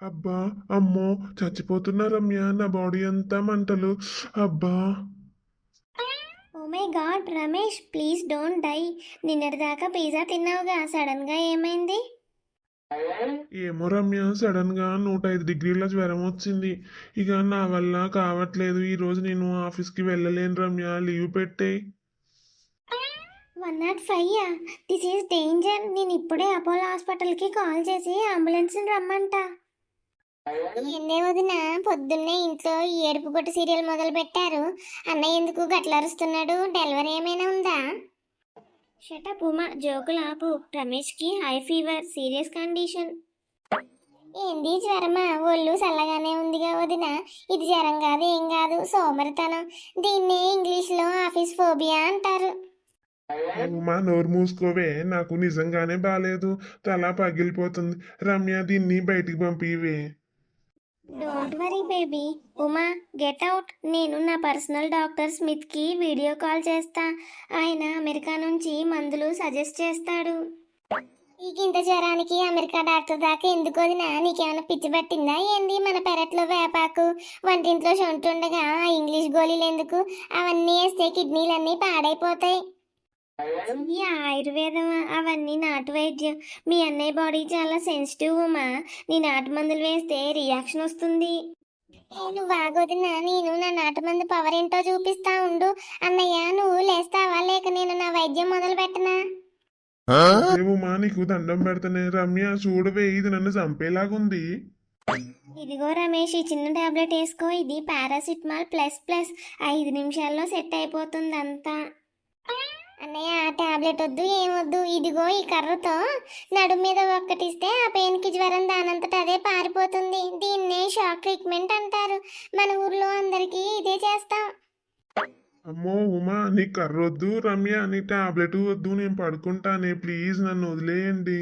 అబ్బా! అమ్మో! చచ్చిపోతున్నా రమ్య. నా బాడీ అంతా మంటలు. అబ్బా! Oh my god Ramesh, please don't die. నిన్నటిదాకా పిజ్జా తిన్నావుగా, సడన్గా ఏమైంది? ఏమో రమ్య, సడన్గా 105 డిగ్రీల జ్వరం వచ్చింది. ఇక నా వల్ల కావట్లేదు. ఈరోజు నేను ఆఫీస్కి వెళ్ళలేను రమ్య. లీవ్ పెట్టేయ్. 105 దిస్ ఈజ్ డేంజర్. నేను ఇప్పుడే అపోలో హాస్పిటల్కి కాల్ చేసి అంబులెన్స్ని రమ్మంట. ఏందే వదిన, పొద్దున్నే ఇంట్లో ఈ ఏడుపు గొట్టు సీరియల్ మొదలు పెట్టారు. అన్నయ్య ఎందుకు గట్ల అరుస్తున్నాడు? డెలివరీ ఏమైనా ఉందా? షటప్ ఉమా, జోకులు ఆపు. రమేష్కి హై ఫీవర్, సీరియస్ కండిషన్. ఏంది జ్వరమా? ఒళ్ళు చల్లగానే ఉందిగా వదిన. ఇది జ్వరం కాదు, ఏం కాదు, సోమరితనం. దీన్నే ఇంగ్లీష్లో ఆఫీస్ ఫోబియా అంటారు. ఉమా, నోరు మూసుకోవే. నాకు నిజంగానే బాలేదు. తల పగిలిపోతుంది. రమ్య, దీన్ని బయటికి పంపివే. Don't worry baby. Uma, get out. నేను నా పర్సనల్ డాక్టర్ స్మిత్కి వీడియో కాల్ చేస్తా. ఆయన అమెరికా నుంచి మందులు సజెస్ట్ చేస్తాడు. ఇంత జ్వరానికి అమెరికా డాక్టర్ దాకా ఎందుకు వదినా? నీకేమైనా పిచ్చి పట్టిందా ఏంది? మన పెరట్లో వేపాకు, వంటింట్లో ఉండగా ఆ ఇంగ్లీష్ గోళీలు ఎందుకు? అవన్నీ వేస్తే కిడ్నీలన్నీ పాడైపోతాయి. ఈ ఆయుర్వేదం అవన్నీ నాటు వైద్యం. మీ అన్నయ్య బాడీ చాలా సెన్సిటివ్ ఉమా. నీ నాటు మందులు వేస్తే రియాక్షన్ వస్తుంది. నువ్వు ఆగొదినా, నేను నా నాటు మందు పవర్ ఏంటో చూపిస్తా ఉండు. అన్నయ్య, నువ్వు లేస్తావా లేక నేను నా వైద్యం మొదలు పెట్టనా? ఏ ఉమా, నీకు దండం పెడతానే. రమ్య చూడవే, ఇది నన్ను చంపేలాగుంది. ఇదిగో రమేష్, ఈ చిన్న టాబ్లెట్ వేసుకో. ఇది పారాసిటమాల్ ప్లస్ ప్లస్. 5 నిమిషాల్లో సెట్ అయిపోతుంది అంతా. అన్నయ్య, ఆ టాబ్లెట్ వద్దు, ఏమొద్దు. ఇదిగో ఈ కర్రతో నడుము మీద ఒక్కటిస్తే ఆ పెయిన్కి జ్వరం దానంతట అదే పారిపోతుంది. దీన్నే షాక్ ట్రీట్మెంట్ అంటారు. మన ఊర్లో అందరికీ ఇదే చేస్తాం. అమ్మో ఉమా, నీ కర్రొద్దు. రమ్య, నీ టాబ్లెట్ వద్దు. నేను పడుకుంటానే. ప్లీజ్ నన్ను వదిలేయండి.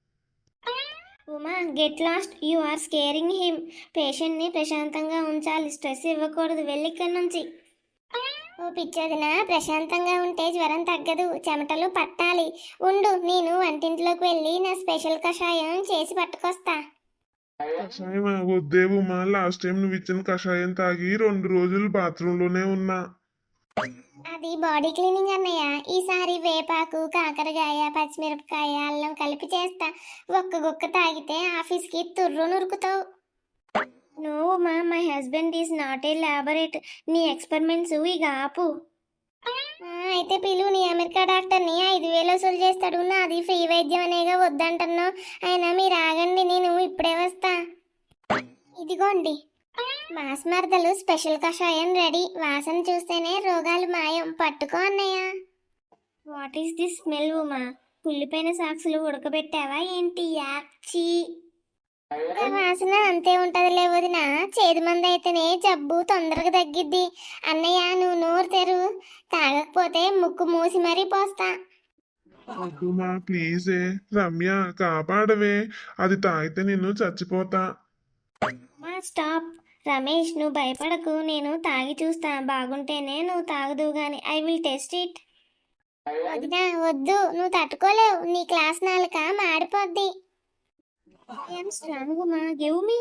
Uma, get lost. You are scaring him. పేషెంట్ని ప్రశాంతంగా ఉంచాలి, స్ట్రెస్ ఇవ్వకూడదు. వెళ్ళి ఇక్కడి నుంచి. ఓ పిచ్చోదినా, ప్రశాంతంగా ఉంటే జ్వరం తగ్గదు, చెమటలు పట్టాలి. ఉండు, నేను వంటింట్లోకి వెళ్ళి నా స్పెషల్ కషాయం చేసి పట్టుకొస్తా. కషాయం వద్దే ఉమా. లాస్ట్ టైం నువ్వు ఇచ్చిన కషాయం తాగి 2 రోజులు బాత్రూంలోనే ఉన్నా. అది బాడీ క్లీనింగ్ అన్నయ్య. ఈసారి వేపాకు, కాకరకాయ, పచ్చిమిరపకాయ, అల్లం కలిపి చేస్తా. ఒక్క గుక్క తాగితే ఆఫీస్కి తుర్రు నురుకుతావు. No ma, my husband is not a laboratory. నీ ఎక్స్పెరిమెంట్స్ ఇక ఆపు. అయితే పిలు నీ అమెరికా డాక్టర్ని. 5,000 వసూలు చేస్తాడు. నాది ఫ్రీ వైద్యం అనేగా వద్దంటున్నావు. అయినా మీరు ఆగండి, నేను ఇప్పుడే వస్తా. ఇదిగోండి, మాస్ మరదలు స్పెషల్ కషాయం రెడీ. వాసన చూస్తేనే రోగాలు మాయం. పట్టుకో అన్నయ్య. What is this smell Uma? కుళ్ళిపోయిన సాక్సులు ఉడకబెట్టావా ఏంటి? యాక్చి. వాసన అంతే ఉంటదిలే వదిన. చేదు మంది అయితేనే జబ్బు తొందరగా తగ్గిద్ది. అన్నయ్య, నువ్వు నోరు తెరు. తాగకపోతే ముక్కు మూసి మరీ పోస్తా. వద్దుమా, ప్లీజే. రమ్య, కాపాడవే. అది తాగితే నిన్ను చచ్చిపోతా. మా స్టాప్. రమేష్, నువ్వు భయపడకు. నేను తాగి చూస్తా. బాగుంటేనే నువ్వు తాగదు గాని. I will test it. వదినా వద్దు, నువ్వు తట్టుకోలేవు. నీ క్లాస్ నాలుక మాడిపోద్ది. I'm strong ma, give me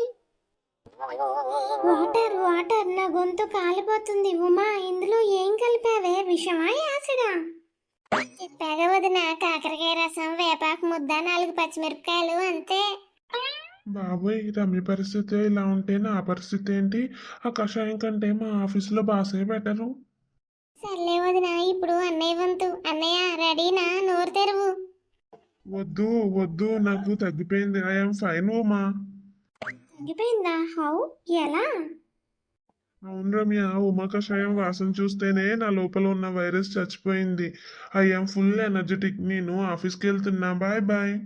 water. Water, నా గొంతు కాలిపోతుంది. ఉమా, ఇందులో ఏం కలిపావే? విషమా, యాసిడా? చెప్పాగా వదిన, కాకరకాయ రసం, వేపాకు ముద్ద, 4 పచ్చిమిరపకాయలు, అంతే. బాబోయ్, రమ్య పరిస్థితి ఇలా ఉంటే నా పరిస్థితి ఏంటి? ఆ కషాయం కంటే మా ఆఫీసులో బాసే బెటరు. సర్లే వదిన, ఇప్పుడు అన్నయ్య వంతు. అన్నయ్య రెడీనా? నోరు తెరువు. వద్దు వద్దు, నాకు తగ్గిపోయింది. I'm fine Uma. తగ్గిపోయిందా? హౌ? ఎలా? అవును రమ్య, ఉమా కషాయం వాసన చూస్తేనే నా లోపల ఉన్న వైరస్ చచ్చిపోయింది. I'm full energetic. నేను ఆఫీస్కి వెళ్తున్నా. Bye bye.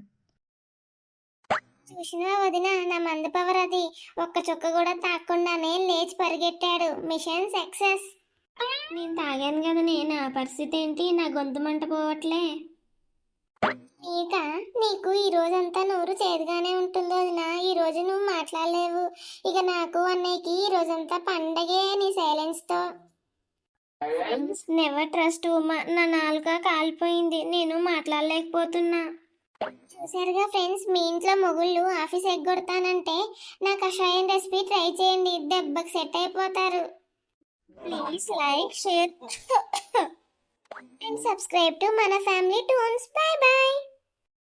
చూసినా వదిన, నా మందు పవర్ అది. ఒక్క చుక్క కూడా తాగకుండానే లేచి పరిగెట్టాడు. Machine success. నేను తాగాను కదనే, నా పరిస్థితి ఏంటి? నా గొంతు మంట పోవట్లే. ఇక నీకు ఈ రోజంతా నోరు చేదుగానే ఉంటుంది వదిన. ఈ రోజు నువ్వు మాట్లాడలేవు. ఇక నాకు అన్నయ్యకి ఈ రోజంతా పండగే నీ సైలెన్స్ తో. Never trust Uma. నా నాలుక కాలిపోయింది. నేను మాట్లాడలేకపోతున్నా. చూసారుగా ఫ్రెండ్స్, మీ ఇంట్లో మొగుళ్ళు ఆఫీస్ ఎగ్గొడతానంటే నా కషాయం రెసిపీ ట్రై చేయండి, దెబ్బకి సెట్ అయిపోతారు. Please like, share and subscribe to మన ఫ్యామిలీ టూన్స్. Bye bye.